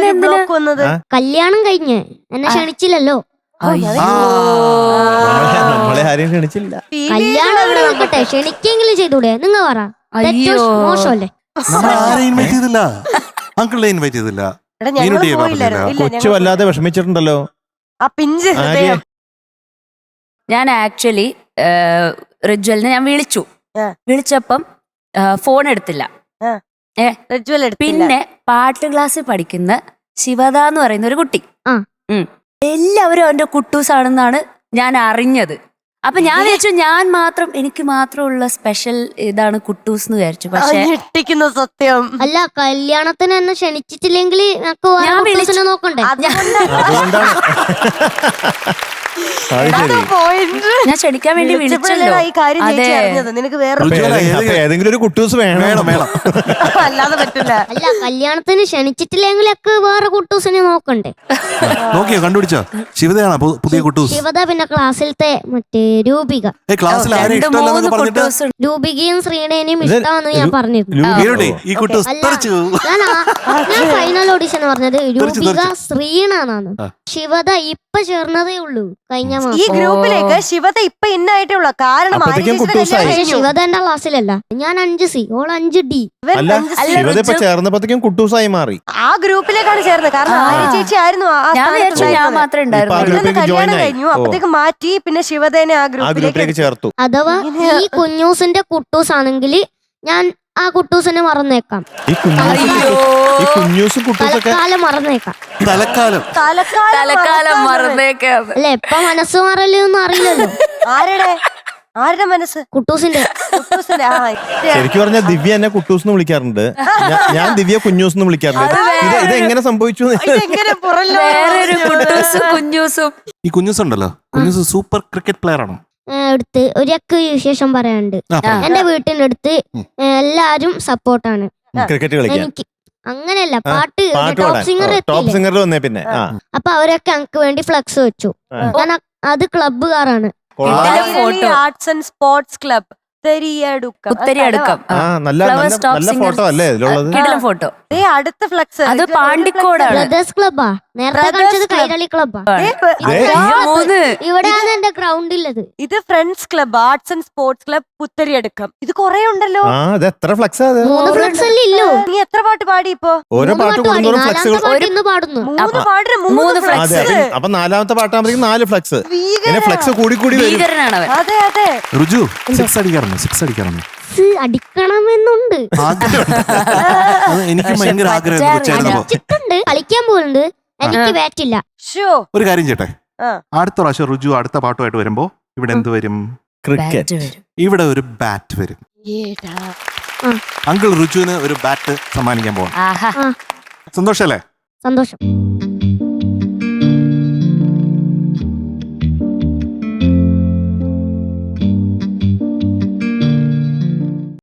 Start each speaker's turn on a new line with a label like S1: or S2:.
S1: Block വന്നത്?
S2: കല്യാണം കഴിഞ്ഞ് എന്നെ ക്ഷണിച്ചില്ലല്ലോ.
S3: നമ്മളെ ആരെയും ക്ഷണിച്ചില്ല.
S2: കല്യാണം ഇവിടെ നിൽക്കട്ടെ, ക്ഷണിക്കെങ്കിലും ചെയ്തൂടെ? നിങ്ങൾ പറ, മോശമല്ലേ?
S4: ഇൻവൈറ്റ് ചെയ്തില്ല, അങ്കിളിനെ ഇൻവൈറ്റ് ചെയ്തില്ല.
S3: കൊച്ചു വല്ലാതെ വിഷമിച്ചിട്ടുണ്ടല്ലോ
S1: ആ പിഞ്ച് ഹൃദയം.
S5: ഞാൻ ആക്ച്വലി റിജ്വലിനെ ഞാൻ വിളിച്ചപ്പം ഫോൺ എടുത്തില്ല. പിന്നെ പാട്ട് ക്ലാസ്സിൽ പഠിക്കുന്ന ശിവദ എന്ന് പറയുന്ന ഒരു കുട്ടി, എല്ലാവരും അവന്റെ കുട്ടൂസാണെന്നാണ് ഞാൻ അറിഞ്ഞത്. അപ്പൊ ഞാൻ വിചാരിച്ചു എനിക്ക് മാത്രമുള്ള സ്പെഷ്യൽ ഇതാണ് കുട്ടൂസ് എന്ന് വിചാരിച്ചു. പക്ഷെ
S1: ഞെട്ടിക്കുന്ന സത്യം.
S2: അല്ല, കല്യാണത്തിന് എന്നെ ക്ഷണിച്ചിട്ടില്ലെങ്കിൽ നോക്കണ്ടേ?
S5: ഞാൻ ക്ഷണിക്കാൻ വേണ്ടി വിളിച്ചല്ലോ.
S1: ഈ കാര്യം നിനക്ക് വേറെ
S3: ഏതെങ്കിലും ഒരു കുട്ടൂസ് വേണം.
S1: അല്ലാതെ പറ്റില്ല.
S2: അല്ല, കല്യാണത്തിന് ക്ഷണിച്ചിട്ടില്ലെങ്കിലൊക്കെ വേറെ കുട്ടൂസിനെ നോക്കണ്ടേ?
S4: നോക്കിയോ, കണ്ടുപിടിച്ചോ? ശിവതയാണ് പുതിയ കുട്ടൂസ്.
S2: ശിവദ, പിന്നെ ക്ലാസ്സിലത്തെ മറ്റേ രൂപിക. രൂപികയും ശ്രീനേനെയും ഇഷ്ടമാണെന്ന് ഞാൻ പറഞ്ഞിരുന്നു. ഞാൻ ഫൈനൽ ഓഡിഷൻ പറഞ്ഞത് രൂപിക ശ്രീനാണ്. ശിവദ ഇപ്പൊ ചേർന്നതേ ഉള്ളൂ കഴിഞ്ഞ മാസം.
S1: ഈ ഗ്രൂപ്പിലേക്ക് ശിവത ഇപ്പൊ ഇന്നായിട്ടേ ഉള്ളൂ. കാരണം
S2: ശിവത എന്റെ ക്ലാസ്സിലല്ല. ഞാൻ 5C, ഓൾ 5D.
S3: ചേർന്നപ്പോഴത്തേക്കും കുട്ടൂസായി മാറി.
S1: ആ ഗ്രൂപ്പിലേക്കാണ് ചേർന്നത്. കാരണം ആര്യ ചേച്ചി ആയിരുന്നു
S5: ഞാൻ മാത്രമേ ഉണ്ടായിരുന്നു.
S1: കല്യാണം കഴിഞ്ഞു, അപ്പത്തേക്ക് മാറ്റി. പിന്നെ ശിവതേനെ ആ ഗ്രൂപ്പിലേക്ക്
S3: ചേർത്തു.
S2: അഥവാ ഈ കുഞ്ഞൂസിന്റെ കുട്ടൂസ് ആണെങ്കിൽ ഞാൻ ആ കുട്ടൂസിനെ മറന്നേക്കാം. തലക്കാലം മറന്നേക്കാം.
S5: തലക്കാലം മറന്നേക്കാം.
S2: അല്ല, എപ്പ മനസ്സ് മാറലൊന്നും അറിയില്ലല്ലോ.
S1: ആരുടെ മനസ്സ്?
S2: കുട്ടൂസിന്റെ.
S3: ശരിക്കും പറഞ്ഞാൽ ദിവ്യ എന്നെ കുട്ടൂസ് എന്ന് വിളിക്കാറുണ്ട്, ഞാൻ ദിവ്യ കുഞ്ഞൂസ് എന്ന് വിളിക്കാറുണ്ട്. ഇത് എങ്ങനെ സംഭവിച്ചു?
S4: ഈ കുഞ്ഞൂസ് ഉണ്ടല്ലോ, കുഞ്ഞൂസ് സൂപ്പർ ക്രിക്കറ്റ് പ്ലെയർ ആണോ?
S2: അടുത്ത് ഒരൊക്കെ വിശേഷം പറയാനുണ്ട്. എന്റെ വീട്ടിന്റെ അടുത്ത് എല്ലാരും സപ്പോർട്ടാണ്
S3: ക്രിക്കറ്റ് കളിക്കാൻ.
S2: എനിക്ക് അങ്ങനെയല്ല, പാട്ട് ടോപ്പ്
S3: സിംഗറിൽ വന്നേ പിന്നെ.
S2: അപ്പൊ അവരൊക്കെ എനിക്ക് വേണ്ടി ഫ്ലക്സ് വെച്ചു. ഞാൻ അത് ക്ലബ്ബുകാരാണ്.
S1: ആർട്സ് ആൻഡ് സ്പോർട്സ് ക്ലബ്
S5: ഉത്തരിയടുക്കം.
S3: നല്ല ഫോട്ടോ അല്ലേ ഇതിലുള്ളത്?
S5: ഫോട്ടോ.
S1: അടുത്ത ഫ്ലക്സ്
S5: അത് പാണ്ടിക്കോടാണ്.
S2: ബ്രദേഴ്സ് ക്ലബ്ബാ. നേരത്തെ കാണിച്ചത് കൈരളി ക്ലബ്ബാ. ഇവിടെയാണ് എന്റെ ഗ്രൗണ്ട് ഉള്ളത്.
S1: ഇത് friends club, arts and sports club Puthariyadukkam. ഇത് കൊറേ ഉണ്ടല്ലോ.
S2: 3 ഫ്ലക്സ് അല്ലേ ഇല്ലോ?
S1: നീ എത്ര പാട്ട് പാടി ഇപ്പൊ?
S3: ഓരോ പാട്ട് കൂടുന്നോറും ഫ്ലക്സുകൾ
S2: പാടുന്നു.
S1: 3 ഫ്ലക്സ്.
S3: അപ്പൊ 4ാമത്തെ പാട്ടാകുമ്പോഴേക്കും 4 ഫ്ലക്സ്. ഫ്ലക്സ് കൂടി വരും.
S1: അതെ അതെ.
S4: രുജു 6 അടിക്കാറുണ്ട്.
S2: അടിക്കണമെന്നുണ്ട്.
S4: എനിക്ക് ഭയങ്കര ആഗ്രഹം.
S2: കളിക്കാൻ പോകുന്നുണ്ട്. എനിക്ക് ബാറ്റില്ല.
S4: ഒരു കാര്യം ചെയ്യട്ടെ, അടുത്ത പ്രാവശ്യം രുജു അടുത്ത പാട്ടുമായിട്ട് വരുമ്പോ ഇവിടെ എന്ത് വരും?
S3: ക്രിക്കറ്റ്.
S4: ഇവിടെ ഒരു ബാറ്റ് വരും. അങ്കിൾ രുജുവിന് ഒരു ബാറ്റ് സമ്മാനിക്കാൻ പോവാം. സന്തോഷല്ലേ?
S2: സന്തോഷം.